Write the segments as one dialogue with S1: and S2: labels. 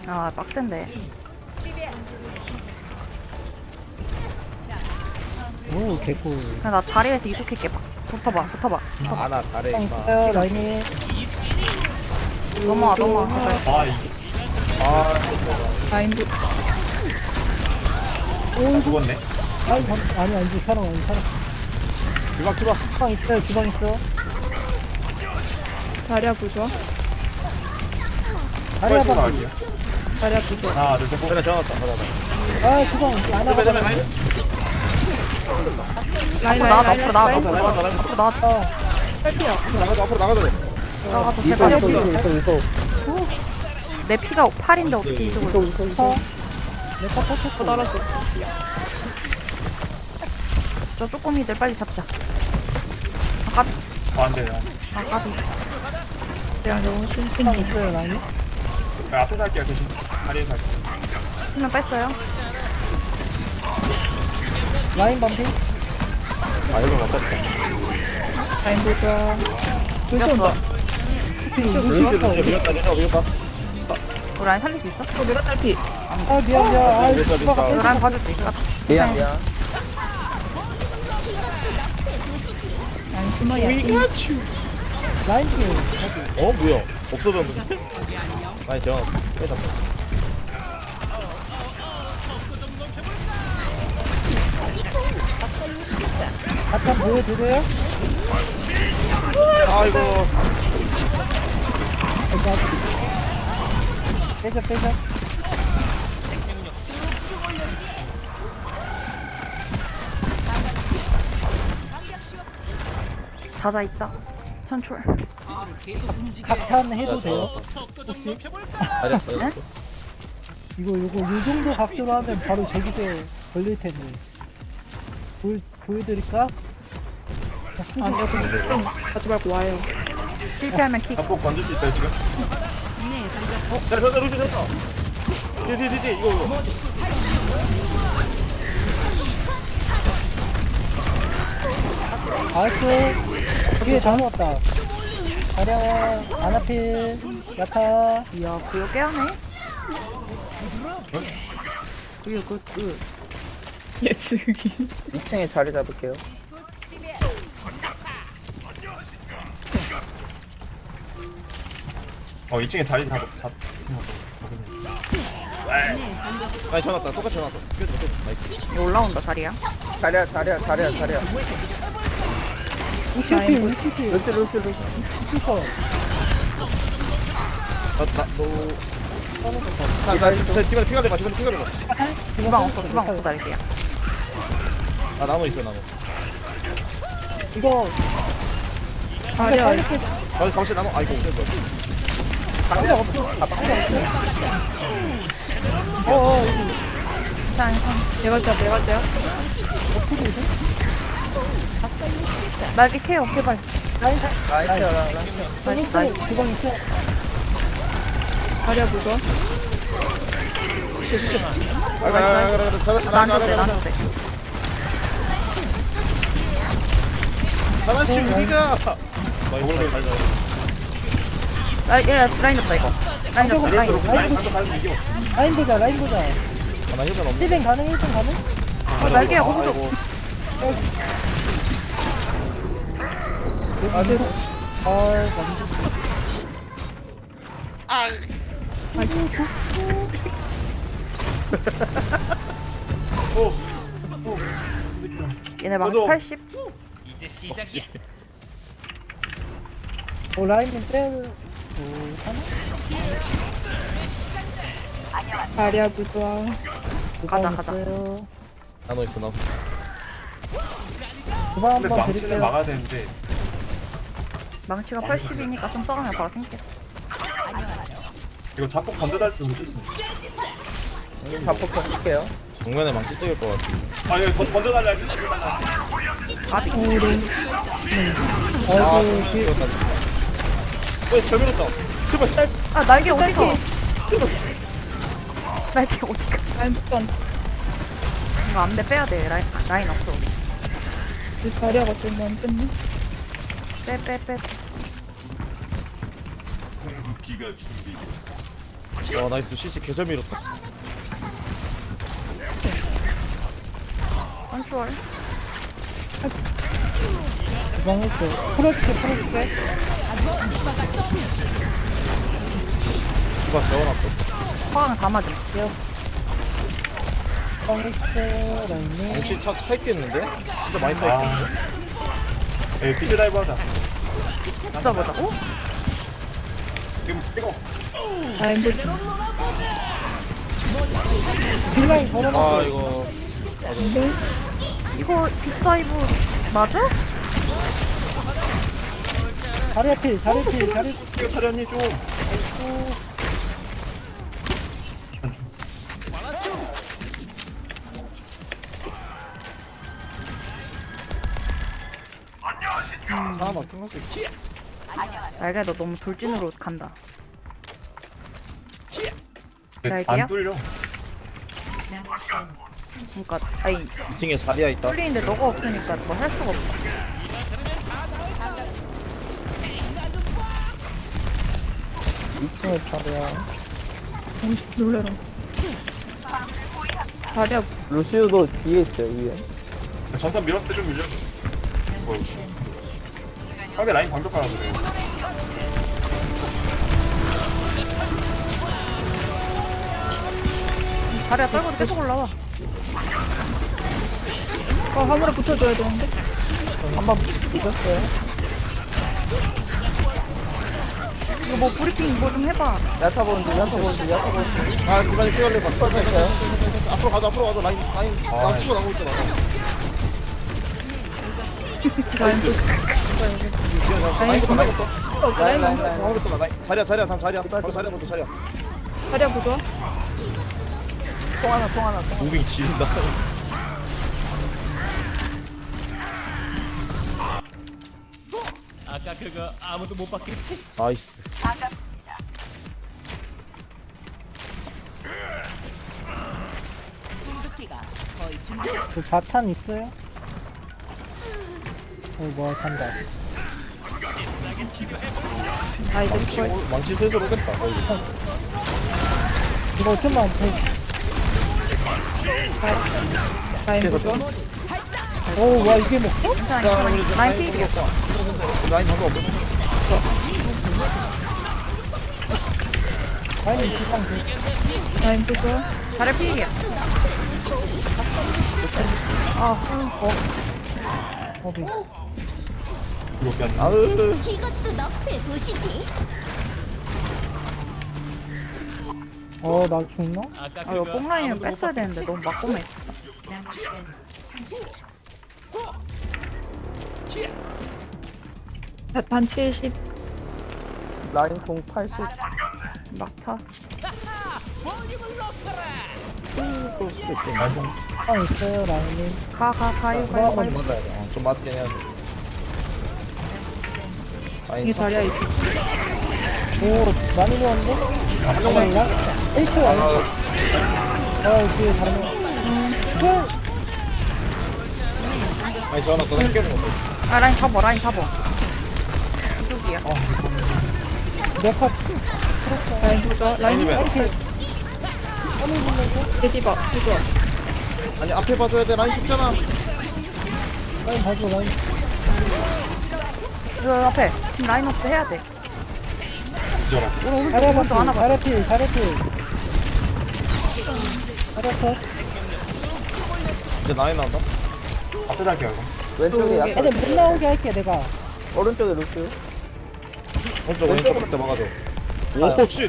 S1: 아 빡센데.
S2: 오 개꿀.
S1: 그냥 나 자리에서 이속할게. 붙어봐.
S3: 아나 잘해 임마.
S2: 있어요 라인이.
S1: 넘어와 제발.
S4: 아 이게
S5: 라인도
S4: 나 죽었네.
S2: 아니 아니지 사람 아니 사람.
S3: 주방
S2: 주방 있어요 주방 있어.
S5: 자리야 부좋아.
S2: 다리
S4: 나
S2: 한번.
S4: 갈게요.
S5: 자리야 부좋아.
S4: 하나 둘 셋.
S3: 그래 정확다 받아봐.
S2: 아 주방 안 하고.
S5: 라인
S1: 나와
S5: 라인
S1: 앞으로
S5: 라인
S1: 나와.
S5: 라인
S1: 앞으로 나와.
S5: 탈피야.
S3: 앞으로 나가도 돼.
S1: 나가도
S2: 이거
S1: 제발.
S2: 이거.
S1: 내 피가 8인데 어떻게 이속을?
S2: 내가 터쳤어.
S5: 날았어.
S1: 저 쪼꼬미들 빨리 잡자. 아까비.
S4: 안돼.
S1: 아까비.
S5: 그냥 너무 심심.
S2: 주방 있어요 라인이.
S4: 앞에 살게요 대신. 다리에 살게요.
S1: 수면 뺐어요.
S2: 라인 반피.
S3: 아 이거 맞췄다.
S5: 라인 부좋아. 루시 온다.
S3: 밀었다.
S1: 우리 라인 살릴 수 있어?
S5: 내가 탈피.
S2: 아 미안. 아
S3: 밀었다
S2: 주방
S1: 우리
S3: 밀었다.
S1: 라인 봐줄게.
S2: 미안.
S5: 라인 숨어야.
S2: 라인 중.
S3: 어 뭐야? 없어졌는데. 아니 저 빼다.
S2: 잠깐 보여주세요.
S3: 아이고.
S2: 빼자.
S1: 다자 있다. 선출.
S2: 각탄 해도 돼요? 혹시?
S3: 잘했어.
S2: 이거 요 정도 각도로 하면 바로 제기세 걸릴 텐데. 보여드릴까?
S5: 아니야 그럼 가지 말고 와요.
S1: 실패하면 킥.
S4: 잡고 건질 수 있어요 지금?
S3: 자 저자 루시 됐다. 뒤 이거.
S2: 나이스. 뒤에 다 넣었다. 가량, 아나필, 야타.
S1: 이야 구요 깨하네. 구요 굿.
S5: 예측이.
S6: 2층에 자리 잡을게요.
S4: 어 2층에 자리 잡.
S3: 아니 전왔다. 똑같이 전왔어. 끝. 나이스.
S1: 이거 올라온다 자리야.
S6: 자리야.
S2: 우시필, 우시필.
S6: 루시.
S2: 슈퍼.
S3: 자 지금 피가 내봐. 지금 피가 내봐.
S1: 주방 없어 날게야.
S3: 아 나노 있어 나노.
S2: 이거,
S5: 자리야.
S3: 가만히 나노. 아이고.
S2: 방력 없어. 어어,
S1: 짠.
S5: 내가 쟤야.
S1: 날개 케어 제발.
S2: 라인,
S1: 나이스.
S2: 주방 있어.
S5: 자리야 부좋아.
S3: 그래.
S1: 나한테 돼.
S3: 하나씩 우리가. 이걸 잘
S1: 라인 없다 이거. 라인 없다 라인.
S2: 라인 보자.
S3: 나 힐은 없네.
S2: 1뱅 가능, 1뱅 가능?
S1: 날개야 거기서. 얘네 망치 80.
S2: 라인은 빼야
S5: 자리야 부좋아.
S1: 가자.
S3: 나노 있어 나노.
S2: 주방
S4: 근데
S2: 한번
S4: 망치는
S2: 드릴게요.
S4: 막아야 되는데.
S1: 망치가 80이니까 좀 썩으면 바로 생겨.
S4: 이거 자꾸 건져달 줄 모르겠어.
S6: 자폭 펴줄게요.
S3: 정면에 망치 찍을 것 같아.
S4: 아 이거 건져달라 했지.
S1: 아직
S2: 아이고, 뒤에.
S3: 이겼다. 잘 밀었다. 제발.
S1: 아 날개 어디가? 날개 어디가?
S5: 라인 부좋아.
S1: 이거 안돼 빼야 돼. 라인 없어.
S5: 자리야가 좀 안 뺐네.
S1: 빼.
S3: 와 나이스 CC 개잘 밀었다.
S1: 컨트롤.
S2: 망했어. 풀어줄게.
S3: 누가 재워놨다.
S1: 화강 다 맞음.
S2: 망했어. 라인이.
S3: 혹시 차 있겠는데? 진짜 많이 차 있겠는데?
S4: 에 비즈 라이브 하자.
S1: 붙어보자고?
S4: 지금 찍어.
S5: 라인 부
S2: 딜라인 걸어놨어.
S3: 아 이거
S1: 이거 빅다이브 맞아?
S2: 자리 필.
S4: 이거 차련이 좀.
S3: 차 막힌 거지.
S1: 날개 너 너무 돌진으로 간다.
S4: 안
S1: 날개야?
S4: 뚫려.
S1: 그러니까 아니
S3: 2층에 자리야 있다.
S1: 뚫리는데 너가 없으니까 뭐 할 수가 없어.
S6: 2층에 자리야.
S5: 놀래라. 자리야
S6: 루시우도 뒤에 있어요, 위에.
S4: 전선 밀었을 때 좀 밀려. 상대 라인 방벽 하나 그래.
S1: 다리야 떨고도 계속 올라와.
S5: 화물에 붙어줘야 되는데.
S6: 한번 붙였어요.
S1: 이거 뭐 브리핑 뭐 좀 해봐.
S6: 야타 보는지.
S3: 아 디바니 피어를 막 썰어있어요. 앞으로 가자 라인 나 치고 나오고 있잖아.
S6: 라인.
S3: 나오고 있잖아. 나이스. 자리야 다음 자리야. 바로 자리야부터 자리야.
S5: 자리야 보자.
S6: 통 하나.
S3: 무빙 지린다.
S7: 아까 그거 아무도 못 봤겠지?
S3: 나이스.
S2: 그 자탄 있어요? 뭐야 산다.
S5: 아 이제 그걸
S3: 망치 슬슬 오겠다.
S2: 이거 좀만 더.
S5: 라인
S3: 그래서
S5: 보자.
S2: 오, 와 이게 먹어?
S1: 괜찮아. 라인 필이야.
S3: 라인 방금 없어.
S2: 라인이 기상 돼.
S5: 라인 보자.
S1: 다리 필이야.
S2: 어디?
S4: 이거 그냥
S3: 아으.
S8: 이것도 너프해 보시지.
S2: 나 죽나?
S7: 아까
S1: 아 이거
S7: 그거
S1: 뽕라인은
S7: 아무도 못
S1: 뺐어야
S7: 봤겠지?
S1: 되는데 너무 막고만 있어.
S5: 반 70.
S6: 라인 공 80.
S1: 막타.
S3: 그럴 수도 있겠네.
S2: 아 있어요 라인이.
S1: 가요.
S3: 한번 맞아야 돼. 좀 맞긴 해야 돼.
S5: 이게 자리야 있어.
S2: 오 많이 좋았는데? 한 명만 있나? 1초 아니야? 뒤에 다른 명.
S3: 아니 저하나 더 생겨는 거.
S1: 아 라인 잡어. 이쪽이야.
S2: 내컷
S5: 라인 보자. 라인
S3: 아니면
S5: 데디바 보자.
S3: 아니 앞에 봐줘야 돼. 라인 죽잖아.
S2: 라인 봐줘 라인.
S1: 저 앞에 지금 라인 업도 해야 돼.
S4: 잊어라.
S2: 자리야
S1: 먼저 하나
S2: 봤지?
S1: 봐.
S2: 자리야 필. 자리야 컷.
S3: 이제 라인 나온다.
S4: 앞에 달게요 이거.
S6: 왼쪽에 야타.
S2: 애들 못 나오게 할게 내가.
S6: 오른쪽에 루시우.
S3: 왼쪽 그때 막아줘. 오 쉣.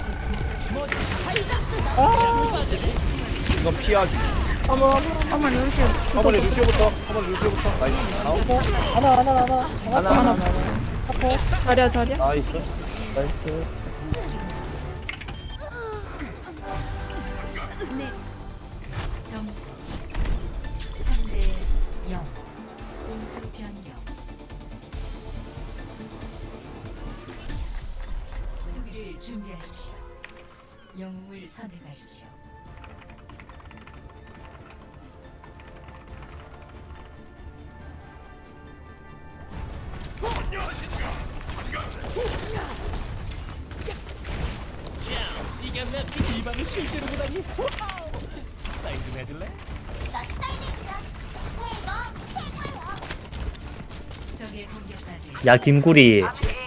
S3: 이건 피하기.
S1: 어머 루시오.
S3: 어머니 루시오부터. 나이스. 나오고.
S2: 하나.
S5: 자리야.
S3: 나이스.
S6: 나이스.
S8: 점수 3대 0. 공수 변경. 수비를 준비하십시오. 영웅을 선택하십시오.
S7: 모르겠네. 이 방을 실제로 보다니. 사인 좀 해줄래?
S8: 적의 공격까지
S2: 야 김구리.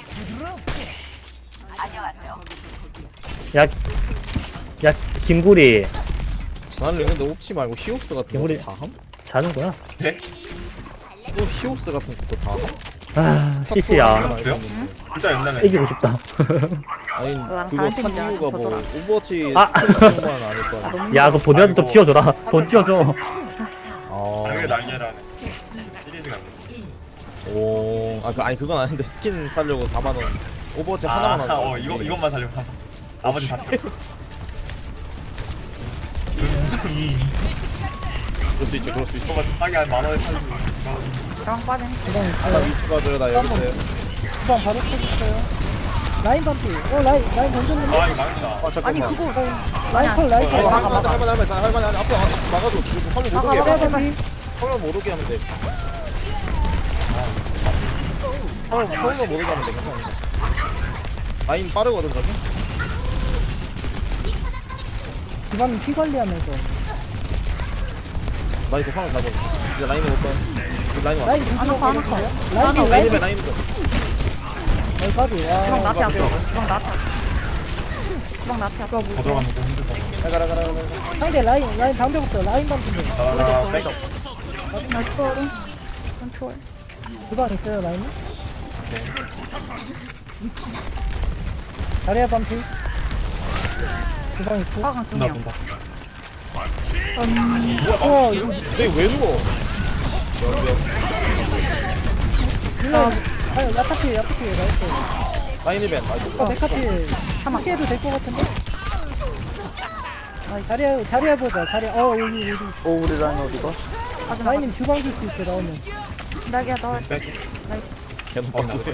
S2: 야 김구리.
S3: 나는 근데 옵치 말고 히옵스 같은
S2: 우리-
S3: 것도 다 함?
S2: 자는구나.
S4: 네?
S3: 또 히옵스 같은 것도 다 함?
S2: 아 CC야.
S4: 알았어요? 진짜 옛날에
S2: 이기고 싶다.
S3: 아니
S1: 나랑
S3: 그거 산
S1: 다른
S3: 이유가 뭐
S1: 팀이야,
S3: 오버워치
S2: 아.
S3: 스킬 같은 거만 아닐 거 아니야.
S2: 야 그거 본이라도 좀 띄워줘라. 본 띄워줘.
S4: 당연히
S3: 아,
S4: 날개라는 시리즈가
S3: 오, 아니 그건 아닌데 스킨 사려고 4만 원. 오버워치 하나만 하는 거.
S4: 이것만 살려고 나머지 다
S3: 그럴 수 있죠, 그럴 수 있죠.
S4: 이거만 싸게 한 10,000원에 살리고
S1: 저랑 빠진.
S2: 주방
S3: 나
S2: 있어요.
S3: 위치 봐줘요, 나 여기 있어요.
S2: 주방 바로 켜주세요. 라인 반피. 라인 던졌는데.
S4: 아 이거 망했다
S3: 아
S1: 아니
S3: 잠깐만.
S1: 그거
S2: 라인 컬 라인 컬.
S3: 할만해. 앞에 막아줘. 그리고 화면 못 오게 해.
S1: 막아, 막아.
S3: 화면 못 오게 하면 돼. 화면 못 오게 하면 돼. 괜찮아. 라인 빠르거든 저기.
S2: 주방 피 관리하면서.
S3: 나이스 화면 잡아. 이제 라인 못 봐. 라인 와.
S2: 라인
S1: 안 아파, 안 아파.
S2: 라인
S3: 라인이면 라인.
S2: 라인 까비.
S1: 주방 나한테
S2: 와.
S1: 앞에. 주방 나한테 앞에. 주방 나한테 앞에.
S4: 더 들어가면 또 힘들다
S3: 가라.
S2: 상대 라인 방벽 없어. 라인 방벽.
S4: 나 백.
S1: 나 초월해. 난 초월.
S2: 주방 있어요 라인? 자리야 반피. 주방 있고.
S1: 화강 두
S4: 본다
S1: 명.
S4: 본다
S2: 어 이거
S3: 왜 누워?
S2: 일로. 아유 야타피 나이스.
S3: 라인 이벤. 나이스.
S2: 메카피. 무시해도 될 것 같은데? 자리야 보자. 자리야. 여기.
S6: 오 우리 라인 어디가?
S2: 라인님 주방 줄 수 있어 나오면.
S1: 나기야 너.
S4: 백.
S1: 나이스.
S3: 걔는
S4: 나도
S3: 바꾸대.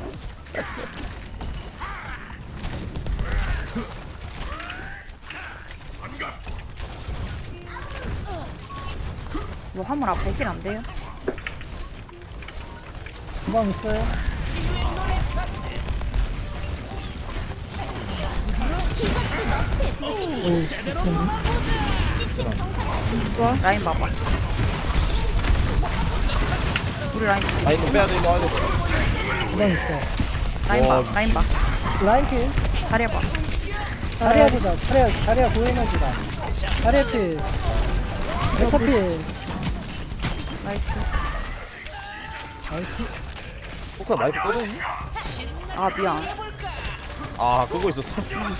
S1: 뭐 화물 앞에 힐 안 돼요?
S2: 주방 있어요.
S1: 라인 봐봐. 우리 라인
S3: 라인 빼야 돼. 이거 하려.
S2: 주방 있어.
S1: 라인 봐.
S3: 와,
S1: 라인 봐.
S2: 라인 킬.
S1: 다리 봐.
S2: 자리야 보자. 자리야 고에너지다. 자리야 킬. 메카피.
S1: 나이스.
S3: 포카 마이크 꺼졌니?
S1: 아 미안.
S3: 아 그거 있었어.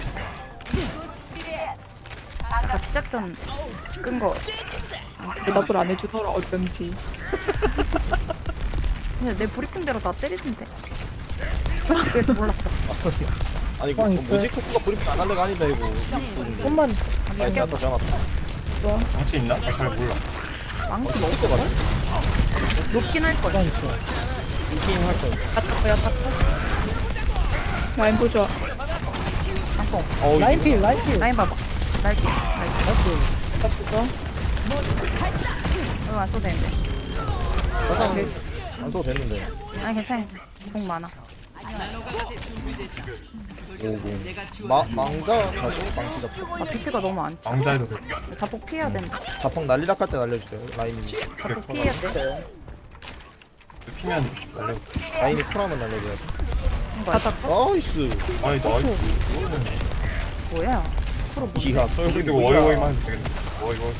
S1: 아까 시작 전 끈 거.
S5: 대답을 안 해주더라 어쩐지.
S1: 근데 내 브리핑대로 나 때리던데. 그래서 몰랐다.
S3: 아니 그 뭐지? 코코가 브리핑 안 할래가 아니다 이거.
S2: 좀만.
S3: 라인 나타 잡았다.
S4: 같이 있나? 나 잘 몰라
S1: 망치
S3: 있을 것 같아.
S1: 높긴 할 거야.
S2: 주방 있어.
S3: 인팅 할 거야.
S1: 야
S5: 라인 보자.
S1: 잠깐.
S2: 라인 킬.
S1: 라인 봐봐. 날개.
S2: 나이스.
S1: 이거 안 써도 되는데.
S3: 안 써도 됐는데.
S1: 아니 괜찮아. 공 많아.
S3: 망자 다시 망치 잡고.
S1: 아 비트가 너무 안 차.
S4: 망자해도 돼
S1: 자폭 피해야 된다.
S3: 자폭 난리락 할 때 날려주세요. 라인이.
S1: 자폭 피해야 돼.
S4: 피면 날려
S3: 라인이 쿨하면 날려줘야 돼.
S1: 이거
S3: 나이스.
S4: 아니 나이스
S1: 뭐야? 프로 뭐?
S3: 기가 설득
S4: 이거 워이워이만 해도 되겠네 워이워이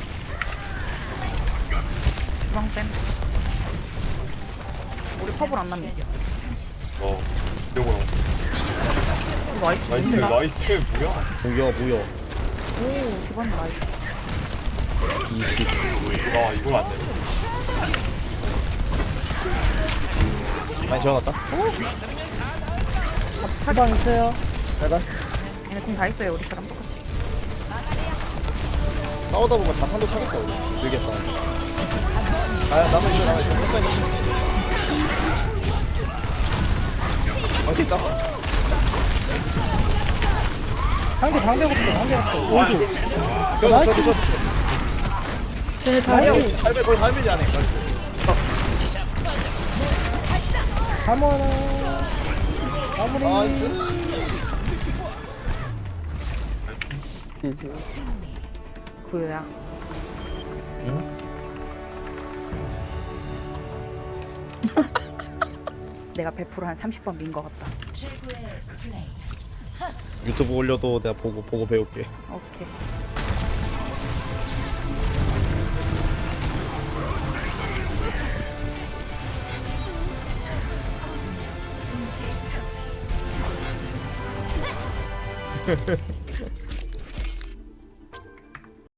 S1: 주방 뺨. 우리 컵을 안 남겨.
S4: 요거
S1: 나이스.
S4: 나이스 뭐야
S3: 뭐야.
S1: 오 기본 나이스.
S3: 20.
S4: 나 이걸 안 돼.
S3: 많이 재워놨다.
S2: 주방 있어요.
S3: 빨간.
S1: 얘네 팀다 있어요 우리처럼 똑같이.
S3: 싸우다 보면 자산도 차겠어. 우리. 길게 싸워. 나도 이거 나가 있어. 망치 있다.
S2: 상대 방벽 없어. 오도.
S3: 저.
S5: 쟤네 다리야.
S3: 할배 거의 할배지 않네.
S2: 가모나. 마무리.
S3: 나이스.
S8: 승리.
S1: 구요야.
S3: 응?
S1: 내가 100%한 30번 민 것 같다.
S8: 최고의 플레이.
S3: 유튜브 올려도 내가 보고 배울게.
S1: 오케이.
S8: 동시 처치.